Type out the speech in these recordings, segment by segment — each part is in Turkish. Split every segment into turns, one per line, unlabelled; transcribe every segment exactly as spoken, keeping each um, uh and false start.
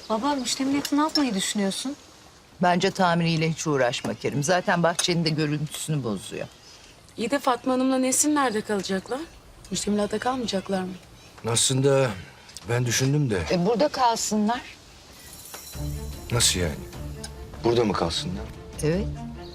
Baba, müştemiliyeti ne yapmayı düşünüyorsun?
Bence tamiriyle hiç uğraşma Kerim. Zaten bahçenin de görüntüsünü bozuyor.
İyi de Fatma Hanım'la Nesin nerede kalacaklar? Müştemilatta kalmayacaklar mı?
Aslında ben düşündüm de
E burada kalsınlar.
nasıl yani? Burada mı kalsınlar?
Evet.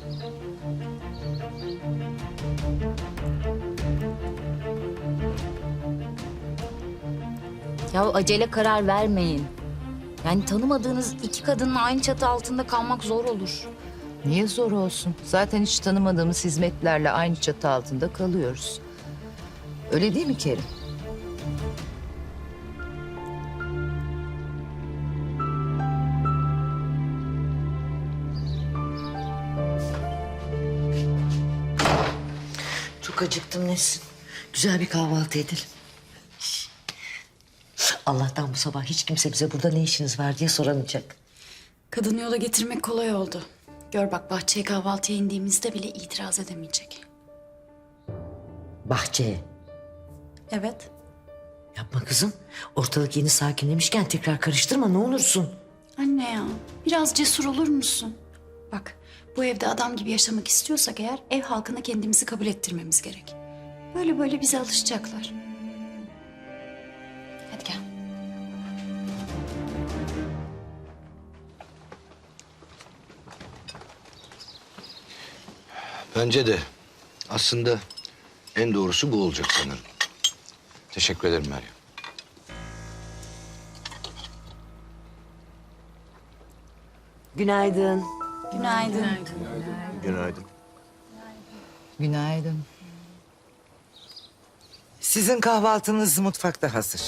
Ya acele karar vermeyin. Yani tanımadığınız iki kadınla aynı çatı altında kalmak zor olur.
Niye zor olsun? Zaten hiç tanımadığımız hizmetlerle aynı çatı altında kalıyoruz. Öyle değil mi Kerim?
Çok acıktım Nesin. Güzel bir kahvaltı edelim. Allah'tan bu sabah hiç kimse bize burada ne işiniz var diye soramayacak.
Kadını yola getirmek kolay oldu. Gör bak bahçeye kahvaltıya indiğimizde bile itiraz edemeyecek.
Bahçeye.
Evet.
Yapma kızım. Ortalık yeni sakinlemişken tekrar karıştırma ne olursun.
Anne ya biraz cesur olur musun? Bak bu evde adam gibi yaşamak istiyorsak eğer ev halkına kendimizi kabul ettirmemiz gerek. Böyle böyle bize alışacaklar. Hadi gel.
Bence de aslında en doğrusu bu olacak sanırım. Teşekkür ederim Meryem.
Günaydın.
Günaydın.
Günaydın.
Günaydın.
Sizin kahvaltınız mutfakta hazır.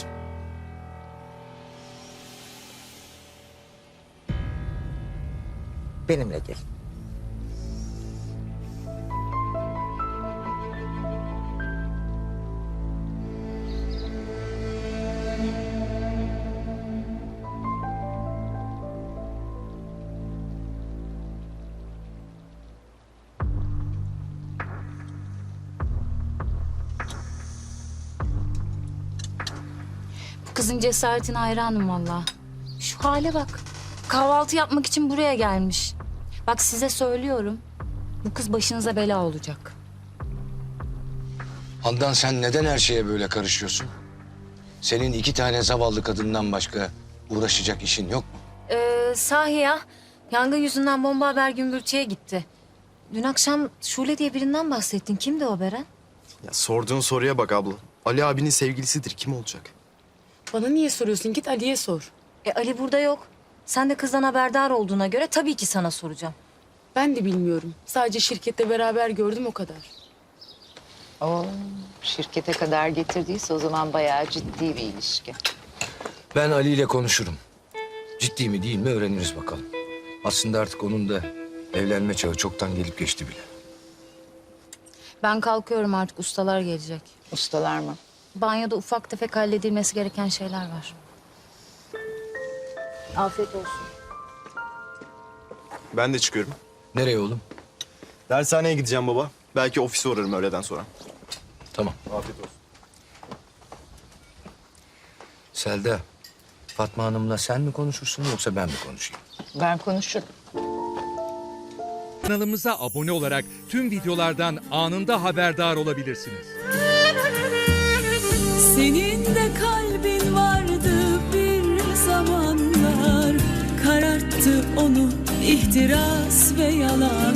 Benimle gelin.
Bu kızın cesaretine hayranım vallahi. Şu hale bak. Kahvaltı yapmak için buraya gelmiş. Bak size söylüyorum. Bu kız başınıza bela olacak.
Handan sen neden her şeye böyle karışıyorsun? Senin iki tane zavallı kadından başka uğraşacak işin yok mu?
Ee, sahi ya. Yangın yüzünden bomba haber gümbürtüye gitti. Dün akşam Şule diye birinden bahsettin. Kimdi o Beren?
Ya sorduğun soruya bak abla. Ali abinin sevgilisidir. Kim olacak?
Bana niye soruyorsun? Git Ali'ye sor.
E Ali burada yok. Sen de kızdan haberdar olduğuna göre tabii ki sana soracağım.
Ben de bilmiyorum. Sadece şirkette beraber gördüm o kadar.
Oo, şirkete kadar getirdiyse o zaman bayağı ciddi bir ilişki.
Ben Ali ile konuşurum. Ciddi mi değil mi öğreniriz bakalım. Aslında artık onun da evlenme çağı çoktan gelip geçti bile.
Ben kalkıyorum artık, ustalar gelecek.
Ustalar mı?
Banyoda ufak tefek halledilmesi gereken şeyler var. Afiyet olsun.
Ben de çıkıyorum.
Nereye oğlum?
Dershaneye gideceğim baba. Belki ofise uğrarım öğleden sonra.
Tamam.
Afiyet olsun.
Selda, Fatma Hanım'la sen mi konuşursun yoksa ben mi konuşayım?
Ben konuşurum.
Kanalımıza abone olarak tüm videolardan anında haberdar olabilirsiniz.
Senin de kalbin vardı bir zamanlar, kararttı onu ihtiras ve yalan.